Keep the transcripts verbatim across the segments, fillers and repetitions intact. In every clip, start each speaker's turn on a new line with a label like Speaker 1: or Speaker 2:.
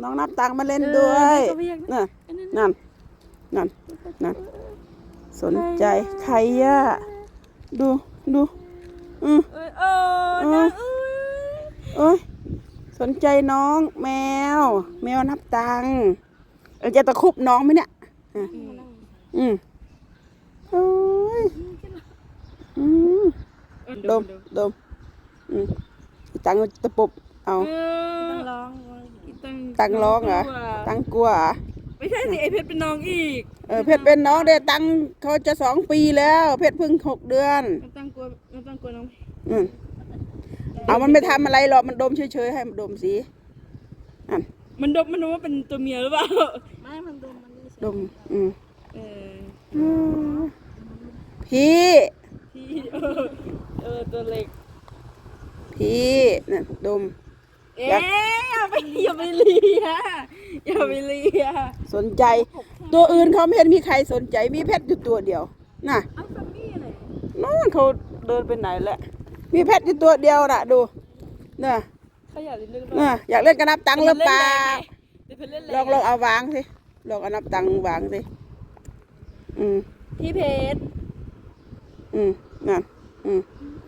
Speaker 1: น้องนับตังมาเล่นด้วยนั่นนั่นนั่นนั่นสนใจใครอะดูดูอือเออเออเอ้ยสนใจน้องแมวแมวนับตังเออจะตะคุบน้องไหมเนี่ยอืมโอ้ยอืมดมดมอืมตังตะปุบเอา
Speaker 2: ตั้งร้อง
Speaker 1: ตังร้องเหรอตังกลัวเหรอ
Speaker 2: ไม่ใช่สิไอเพชรเป็นน้องอีก
Speaker 1: เออเพชรเป็นน้องเด็กตังเขาจะสองปีแล้วเพชรเพิ่งหกเดือน
Speaker 2: มันตั้งกลัวมันตั้งกลัวน้อง
Speaker 1: อืมเอามันไม่ทำอะไรหรอกมันดมเฉยๆให้มันดมสิอัน
Speaker 2: มันดมมันดมว่าเป็นตัวเมียหรือเปล่าไม่มันดมมัน
Speaker 1: ดมอืม
Speaker 2: เอ
Speaker 1: อพี่
Speaker 2: พี่เออเออตัวเล็ก
Speaker 1: พี่นั่นดม
Speaker 2: เอ๊ะอย่าไปอย่าไปเลียอย่าไปเลีย
Speaker 1: สนใจตัวอื่นเขาไม่เห็นมีใครสนใจมีเพชรอยู่ตัวเดียวน่ะน้องเขาเดินไปไหนแหละมีเพชรอยู่ตัวเดียวน่ะดูน่ะ
Speaker 2: เขาอยากเล่น
Speaker 1: น่ะอยากเล่นกันนับตังค์หรือเปล่าลองลองเอาวางสิลองเอานับตังค์วางสิอืม
Speaker 2: พี่เพชร
Speaker 1: อืมนั่นอืม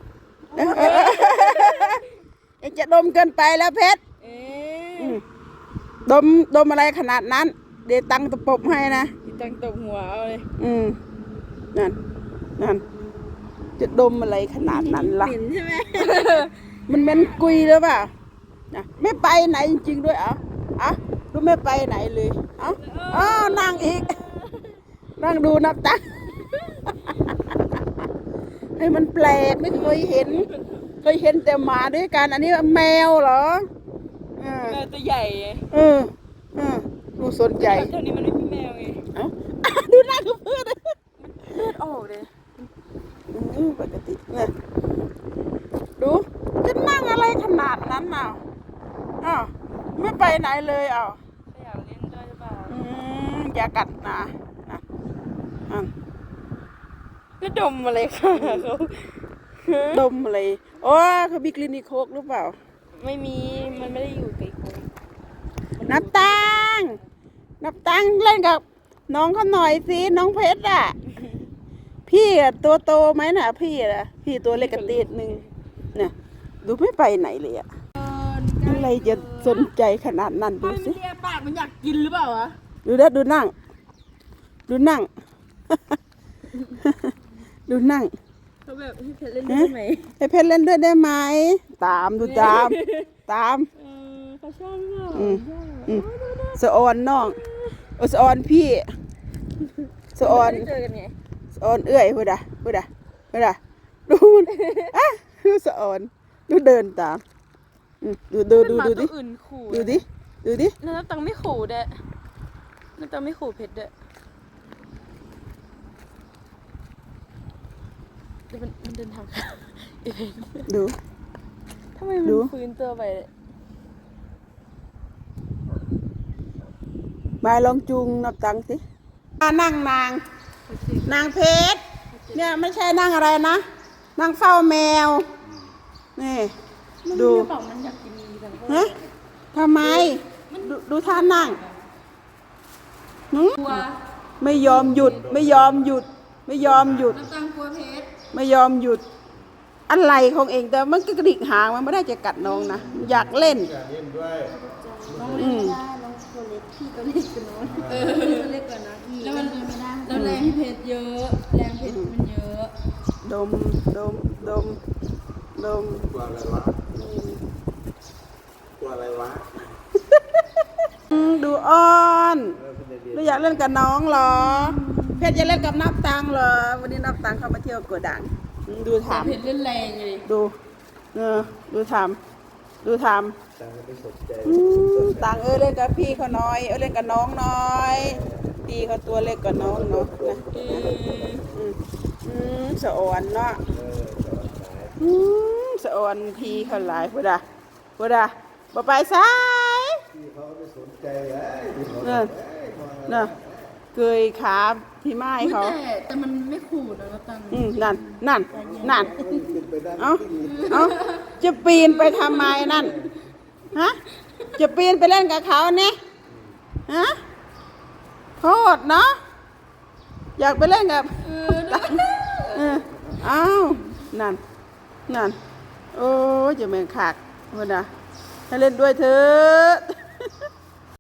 Speaker 1: เอ็งจะดมเกินไปแล้วเพชรดมดมอะไรขนาดนั้นเดี๋ยวตังตะปบให้นะ
Speaker 2: ตังตบหัวเอาเลย
Speaker 1: อืมนั่นนั่นจะดมอะไรขนาดนั้นล่ะ
Speaker 2: เหม็นใช่ไหม
Speaker 1: มันเหม็นกุยหรือเปล่านะไม่ไปไหนจริงๆด้วยอ่ะอ่ะดูไม่ไปไหนเลยเอ้าอ๋อนั่งอีกนั่งดูนับตังให้มันแปลกไม่เคยเห็นเคยเห็นแต่หมาด้วยกันอันนี้แมวเหรอ
Speaker 2: แมวตัวใหญ่
Speaker 1: เออเออดูสนใจ
Speaker 2: แถวนี้มันไม่มีแมวไง
Speaker 1: เอ้าดูหน้าคือเพื่อน
Speaker 2: เลือดออกเลย
Speaker 1: อือปกติเนี่ยดูจะนั่งอะไรขนาดนั้นน่ะอ้าวไม่ไปไหนเลยอ้าว
Speaker 2: อยากเล่นด้วยหรือเปล่า
Speaker 1: อืมอย่ากัดนะนะอ่ะ
Speaker 2: ก็ดมอะไรค่ะเขา
Speaker 1: ดมอะไรโอ้เขามีคลินิกโคกหรือเปล่า
Speaker 2: ไม่มีมันไม่ได้อยู่ไกลๆ
Speaker 1: นับตังนับตังเล่นกับน้องเขาหน่อยสิน้องเพชรอ่ะพี่อ่ะตัวโตไหมน่ะพี่อ่ะพี่ตัวเล็กกระติดนึงเนี่ยดูไม่ไปไหนเลยอ่ะอะไรจะสนใจขนาดนั้นดูสิ
Speaker 2: เลียปากมันอยากกินหรือเปล่าวะ
Speaker 1: ดูนะดูนั่งดูนั่งดูนั่ง
Speaker 2: เขาแบบให้เพชรเล่นด้วยไหม
Speaker 1: ให้เพชรเล่นด้วยได้ไหมตามดูตามตาม
Speaker 2: เขาชอบมาก
Speaker 1: สะออนน้องโอสะออนพี่สะออน
Speaker 2: เจอกันไง
Speaker 1: สะออนเอื้อยพูดอ่ะพูดอ่ะพูดอ่ะดูอ่ะดูสะออนดูเดินตามดูดูดูดูดิดูดิดูดิ
Speaker 2: น้าตังไม่ขู่เด้น้าตังไม่ขู่เพชรเด้มันมันเดินทาง
Speaker 1: ดู
Speaker 2: ทำไมมันฟื้นตัวไป
Speaker 1: มาลองจูงนับตังสิมานั่งนางนางเพชรเนี่ยไม่ใช่นั่งอะไรนะนั่งเฝ้าแมวนี่ดูฮะทำไมดูท่านั่งไม่ยอมหยุดไม่ยอมหยุดไม่ยอมหยุดไม่ยอมหยุดอะไรของเองแต่มันก็กระดิกหางมันไม่ได้จะกัดน้องนะอยากเล่นอืม
Speaker 2: ตัวเล็กพี่ตัวเล็กกว่าน้องเออตัวเล็กกว่าน้องแล้วมันไม่ได้แล้วแรงเพชรเยอะแรงเพชรมันเยอะ
Speaker 1: ดมดมดมดม
Speaker 3: กลัวอะไรวะกลัวอะไรวะ
Speaker 1: ดูอ้อนดูอยากเล่นกับน้องเหรอเพชรจะเล่นกับนับตังเหรอวันนี้นับตังเข้ามาเที่ยวกระดังดูถาม
Speaker 2: เพชรเล่นแรงเลย
Speaker 1: ดูเออดูถามดูถามตังเออเล่นกับพี่เขาน้อยเออเล่นกับน้องน้อยพี่เขาตัวเล็กกว่าน้องเนาะนะอืมสะอ่อนเนาะอืมสะอ่อนพี่เขาหลายพูดอ่ะพูดอ่ะบ่ไปซ้าย
Speaker 3: พี่เขาไม่สนใจเลย
Speaker 1: เนี่ยเนี่ยเกยขาที่ไม้เขา
Speaker 2: แต่มันไม่ขู่นะตัง
Speaker 1: อืมนั่นนั่นนั่นเอ้าเอ้าจะปีนไปทำไมนั่นฮะจะปีนไปเล่นกับเขาเนี่ยฮะโทษเนาะอยากไปเล่นกับเอออ้าวนั่นนั่นโอ้ยจะแม่งขากมันนะให้เล่นด้วยเถอะ